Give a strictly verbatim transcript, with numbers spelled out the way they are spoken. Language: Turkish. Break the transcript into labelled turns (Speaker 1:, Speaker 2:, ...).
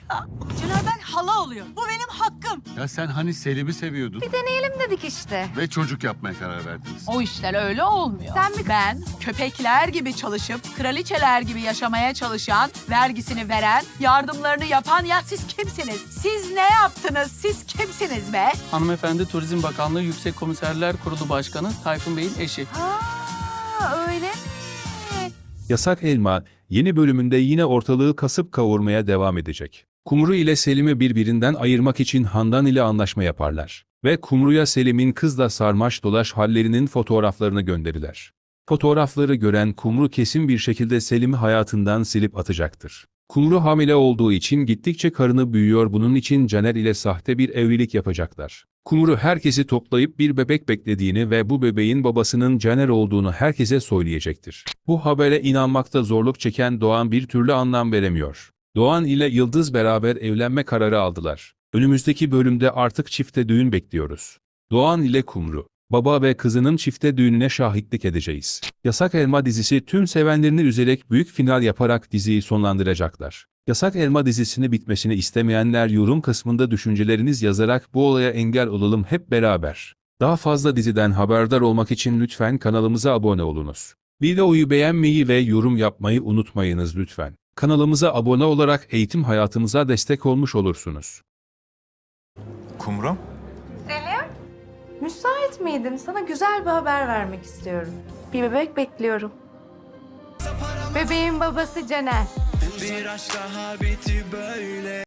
Speaker 1: Caner ben hala oluyor. Bu benim hakkım.
Speaker 2: Ya sen hani Selim'i seviyordun
Speaker 3: Bir deneyelim dedik işte.
Speaker 2: ve çocuk yapmaya karar verdiniz.
Speaker 1: O işler öyle olmuyor.
Speaker 3: Sen mi-
Speaker 1: Ben köpekler gibi çalışıp kraliçeler gibi yaşamaya çalışan, vergisini veren, yardımlarını yapan ya siz kimsiniz? Siz ne yaptınız? Siz kimsiniz be?
Speaker 4: Hanımefendi Turizm Bakanlığı Yüksek Komiserler Kurulu Başkanı Tayfun Bey'in eşi.
Speaker 3: Ha, öyle mi?
Speaker 5: Yasak Elma, yeni bölümünde yine ortalığı kasıp kavurmaya devam edecek. Kumru ile Selim'i birbirinden ayırmak için Handan ile anlaşma yaparlar. Ve Kumru'ya Selim'in kızla sarmaş dolaş hallerinin fotoğraflarını gönderirler. Fotoğrafları gören Kumru kesin bir şekilde Selim'i hayatından silip atacaktır. Kumru hamile olduğu için gittikçe karını büyüyor, bunun için Caner ile sahte bir evlilik yapacaklar. Kumru herkesi toplayıp bir bebek beklediğini ve bu bebeğin babasının Caner olduğunu herkese söyleyecektir. Bu habere inanmakta zorluk çeken Doğan bir türlü anlam veremiyor. Doğan ile Yıldız beraber evlenme kararı aldılar. Önümüzdeki bölümde artık çifte düğün bekliyoruz. Doğan ile Kumru, baba ve kızının çifte düğününe şahitlik edeceğiz. Yasak Elma dizisi tüm sevenlerini üzerek büyük final yaparak diziyi sonlandıracaklar. Yasak Elma dizisini bitmesini istemeyenler yorum kısmında düşünceleriniz yazarak bu olaya engel olalım hep beraber. Daha fazla diziden haberdar olmak için lütfen kanalımıza abone olunuz. Videoyu beğenmeyi ve yorum yapmayı unutmayınız lütfen. Kanalımıza abone olarak eğitim hayatımıza destek olmuş olursunuz.
Speaker 6: Kumru?
Speaker 3: Selim? Müsait miydin? Sana güzel bir haber vermek istiyorum. Bir bebek bekliyorum. Bebeğin babası Caner.
Speaker 7: Bir aşk daha biti böyle.